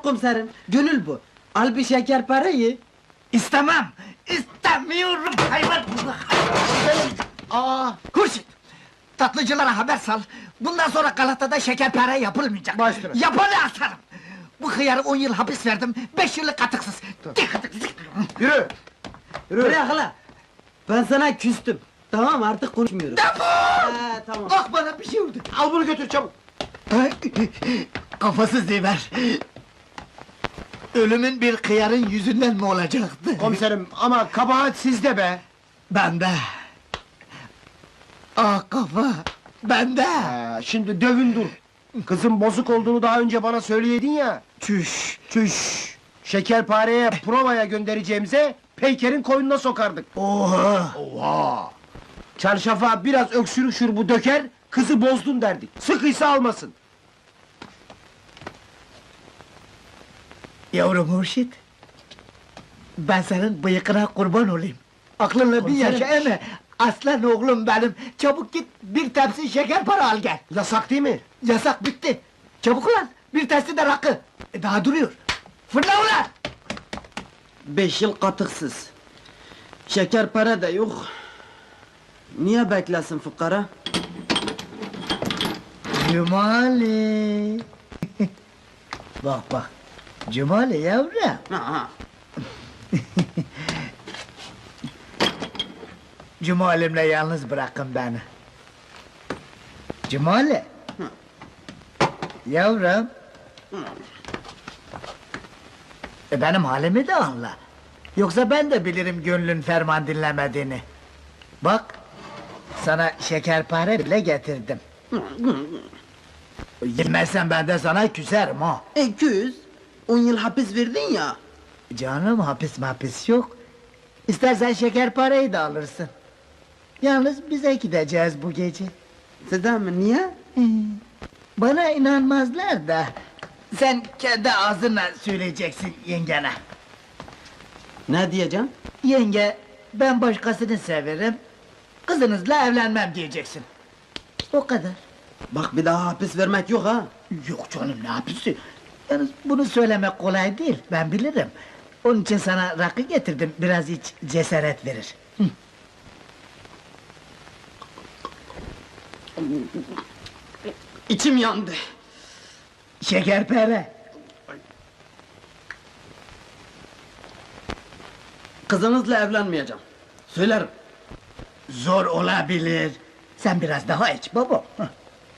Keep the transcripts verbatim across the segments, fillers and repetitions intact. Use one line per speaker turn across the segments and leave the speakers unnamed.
komiserim, gönül bu. Al bir şeker parayı.
İstemem! İstemiyorum hayvan!
Aa,
Kurşun! Tatlıcılara haber sal! Bundan sonra Galata'da şekerpare yapılmayacak!
Baş üstüne.
Yapanı asarım! Bu hıyarı on yıl hapis verdim, beş yıllık katıksız!
yürü! Yürü! Bırak hala! Ben sana küstüm. Tamam, artık konuşmuyoruz.
Defol!
He, tamam.
Ah, bana bir şey oldu!
Al bunu götür çabuk!
Kafasız Ziver! Ölümün bir hıyarın yüzünden mi olacaktı?
Komiserim, ama kabahat sizde be!
Bende! Ah kafa! Bende!
Ee, şimdi dövün dur! Kızın bozuk olduğunu daha önce bana söyleyedin ya!
Çüş!
Çüş! Şekerpareye provaya göndereceğimize, Peyker'in koynuna sokardık!
Oha!
Oha! Çarşafa biraz öksürük şurubu döker, kızı bozdun derdik! Sıkıysa almasın!
Yavrum Hurşit! Ben senin bıyıkına kurban olayım! Aklınla bir
Komiserim.
yaşa eme! Aslan oğlum benim! Çabuk git, bir tepsi şeker para al gel!
Yasak değil mi?
Yasak bitti! Çabuk ulan! Bir tepsi de rakı! E, daha duruyor! Fırla ulan!
Beş yıl katıksız. Şeker para da yok. Niye beklesin fukara?
Cumali! Bak bak! Cumali yavrum!
Ha,
Cumalimle yalnız bırakın beni! Cumali! Yavrum! E benim halimi de anla! Yoksa ben de bilirim gönlün ferman dinlemediğini! Bak! Sana şekerpare bile getirdim! Yemezsen ben de sana küserim ha!
iki yüz. On yıl hapis verdin ya.
Canım hapis mapis yok! İstersen şekerpareyi de alırsın! Yalnız bize gideceğiz bu gece!
Sizden mi, niye?
Bana inanmazlar da... Sen kendi ağzınla söyleyeceksin yengene!
Ne diyeceğim?
Yenge, ben başkasını severim... Kızınızla evlenmem diyeceksin! O kadar!
Bak bir daha hapis vermek yok ha.
Yok canım, ne hapisi? Yalnız bunu söylemek kolay değil, ben bilirim! Onun için sana rakı getirdim, biraz iç, cesaret verir! Hı.
İçim yandı.
Şekerpare!
Kızınızla evlenmeyeceğim. Söylerim.
Zor olabilir! Sen biraz daha iç baba! Hı.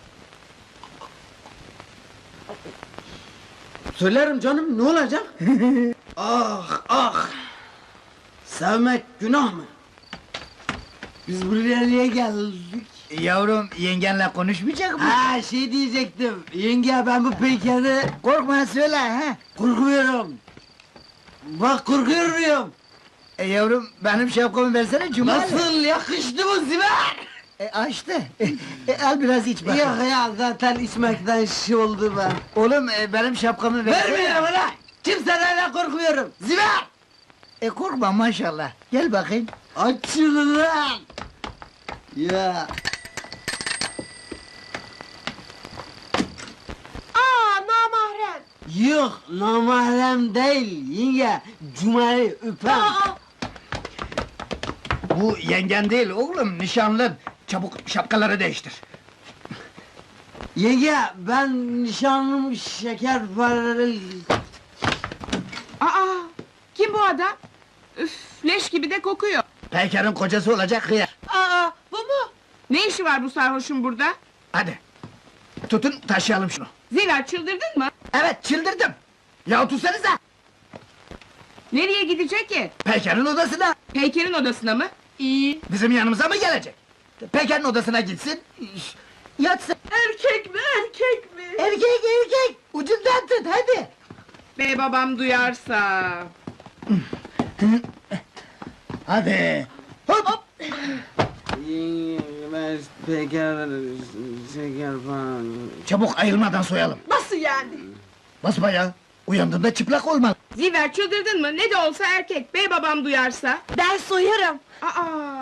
Söylerim canım, ne olacak? Ah ah! Sevmek günah mı?
Biz buraya niye geldik?
Yavrum, yengenle konuşmayacak mı?
Ha, şey diyecektim, yenge ben bu Peyker'i
Korkma söyle ha!
korkmuyorum! Bak korkuyor muyum?
E yavrum, benim şapkamı versene Cumali!
Nasıl, yakıştı mı Ziver?
E açtı! E, al biraz iç bakalım!
Yok ya, zaten içmekten şey oldu ben!
Oğlum, e, benim şapkamı versene!
Vermiyorum ulan! Kimseden de korkmuyorum! Ziver!
E korkma maşallah! Gel bakayım!
Aç şunu lan! Ya!
Aa, namahrem!
Yok, namahrem değil yenge! Cumali öpem!
Aa,
Bu yengen değil oğlum, nişanlın! Çabuk şapkaları değiştir!
Yenge, ben nişanlım şeker paralı...
aa, kim bu adam? Üf, leş gibi de kokuyor.
Peyker'in kocası olacak hıyar!
Aa, bu mu? Ne işi var bu sarhoşun burada?
Hadi! Tutun, taşıyalım şunu!
Zira çıldırdın mı?
Evet, çıldırdım! Ya tutsanıza!
Nereye gidecek ki?
Peyker'in odasına!
Peyker'in odasına mı? İyi.
Bizim yanımıza mı gelecek? Peyker'in odasına gitsin... Yatsın!
Erkek mi, erkek mi?
Erkek erkek! Ucundan tut hadi!
Bey babam duyarsa...
Hadi! Hop!
Yenge, ben Peker şeker falan.
Çabuk ayılmadan soyalım!
Nasıl yani?
Basma ya! Uyandığında çıplak olmalı!
Ziver çıldırdın mı? Ne de olsa erkek, bey babam duyarsa...
Ben soyarım.
Aa,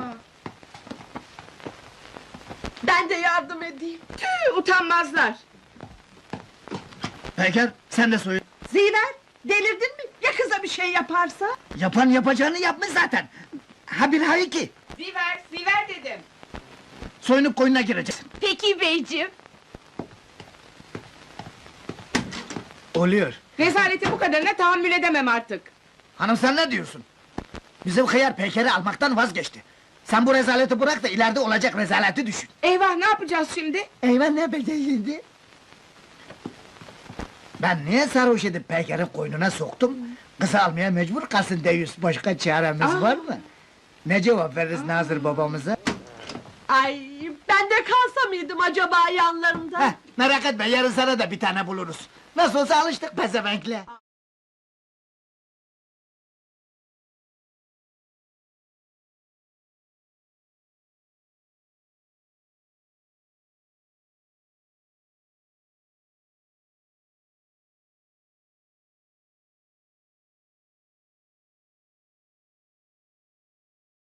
Ben de yardım edeyim.
tüh, utanmazlar!
Peyker, sen de soyun!
Ziver, delirdin mi? Ya kıza bir şey yaparsa?
Yapan yapacağını yapmış zaten. Ha bir ha iki.
Ziver, Ziver dedim.
Soyunup koyuna gireceksin.
Peki beyciğim.
Oluyor.
Rezaleti bu kadarına tahammül edemem artık.
Hanım sen ne diyorsun? Bizim hıyar Peker'i almaktan vazgeçti. Sen bu rezaleti bırak da ileride olacak rezaleti düşün.
Eyvah, ne yapacağız şimdi?
Eyvah ne bedeliydi? Ben niye sarhoş edip Peker'in koynuna soktum? Kızı almaya mecbur kalsın deyiz. Başka çaremiz
Aa.
var mı? Ne cevap veririz Nazır babamıza?
Ay, ben de kalsa mıydım acaba yanlarında?
Heh, merak etme yarın sana da bir tane buluruz. Nasıl olsa alıştık pezevenkle.